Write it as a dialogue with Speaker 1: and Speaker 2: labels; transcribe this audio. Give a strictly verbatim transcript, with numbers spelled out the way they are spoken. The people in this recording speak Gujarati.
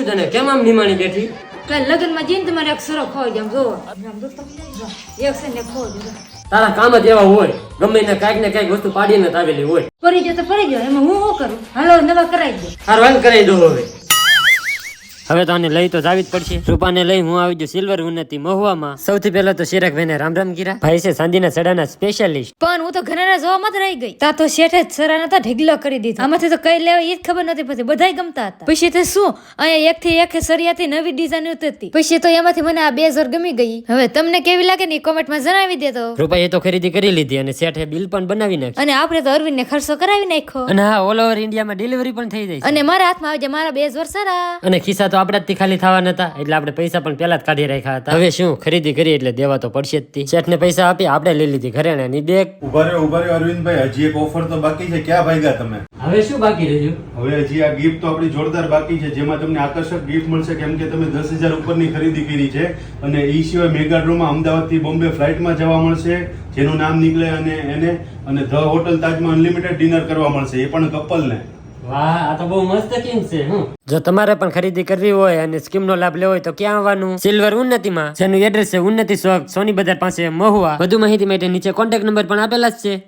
Speaker 1: થયું તને? કેમ આમ નિમાણી બેઠી?
Speaker 2: કાલ લગ્નમાં જઈને તમારે એક સરો ખોઈ જામ જોવો આમ દોસ્તો એક છે ને ખોઈ દીધો
Speaker 1: તારા કામ જ એવા હોય, ગમે ને કાંઈક ને કાંઈક વસ્તુ પાડીને જ આવેલી હોય.
Speaker 2: પડી જાય તો પડી જાય, એમાં હું શું કરું? હાલો નવા કરાવી દે.
Speaker 1: હારું હાલ કરાવી દો હવે. હવે તો આને લઈ તો જાવી જ પડશે. રૂપાને લઈ હું આવી ગયો સિલ્વર ઉન્નતિ મહુવામાં. સૌથી પહેલા તો શિરાકભાઈને રામ રામ કીરા. ભાઈ છે ચાંદીના સડાના સ્પેશિયાલિસ્ટ.
Speaker 2: પણ હું તો ઘરના જોવામાં જ રહી ગઈ. તા તો શેઠે જ સરાના તો ઢીગલો કરી દીધો. આમાંથી તો કઈ લેવા એ જ ખબર નથી પડતી, બધાય ગમતા હતા. પછી તે શું અહીંયા એક થી એક સરિયાથી નવી ડિઝાઇન ઉતરતી. પછી તો એમાંથી મને આ બે હજાર ગમી ગઈ. હવે તમને કેવી લાગે ને કોમેન્ટમાં જણાવી દેતો.
Speaker 1: રૂપાએ તો ખરીદી કરી લીધી અને શેઠે બિલ પણ બનાવી નાખ્યું.
Speaker 2: અને આપણે તો અરવિંદ ને ખર્ચો કરાવી નાખ્યો.
Speaker 1: અને હા, ઓલ ઓવર ઇન્ડિયામાં ડિલિવરી પણ થઈ જાય છે.
Speaker 2: અને મારા હાથમાં આવી જાય મારા બે હજાર સરા.
Speaker 1: અને ખિસ્સા તો આપણા જ ખાલી થવા નતા, એટલે આપણે પૈસા પણ પેલા જ કાઢી રાખ્યા હતા. હવે શું ખરીદી કરી એટલે દેવા તો પડશે જ. શેઠ ને પૈસા આપી આપણે લઈ લીધી ઘરેણાની બેગ.
Speaker 3: ઉભા રહ્યો ઉભા રહ્યો અરવિંદભાઈ, હજી એક ઓફર તો બાકી છે. ક્યાં ભાગ્યા તમે?
Speaker 1: હવે શું બાકી રહ્યું?
Speaker 3: હવે હજી આ ગિફ્ટ તો આપણી જોરદાર બાકી છે, જેમાં તમને આકર્ષક ગિફ્ટ મળશે, કેમ કે તમે દસ હજાર ઉપરની ખરીદી કરી છે. અને એ સિવાય મેગા ડ્રોમાં અમદાવાદ થી બોમ્બે ફ્લાઇટમાં જવા મળશે, જેનું નામ નીકળે અને એને અને ધ હોટલ તાજમાં અનલિમિટેડ ડિનર કરવા મળશે, એ પણ કપલને.
Speaker 1: વાહ, આ તો બહુ મસ્ત સ્કીમ છે. હું જો તમારે પણ ખરીદી કરવી હોય અને સ્કીમ નો લાભ લેવો હોય તો ક્યાં આવવાનું? સિલ્વર ઉન્નતિમાં, જેનું એડ્રેસ છે ઉન્નતિ ચોક, સોની બજાર પાસે, મહુવા. વધુ માહિતી માટે નીચે કોન્ટેક્ટ નંબર પણ આપેલા જ છે.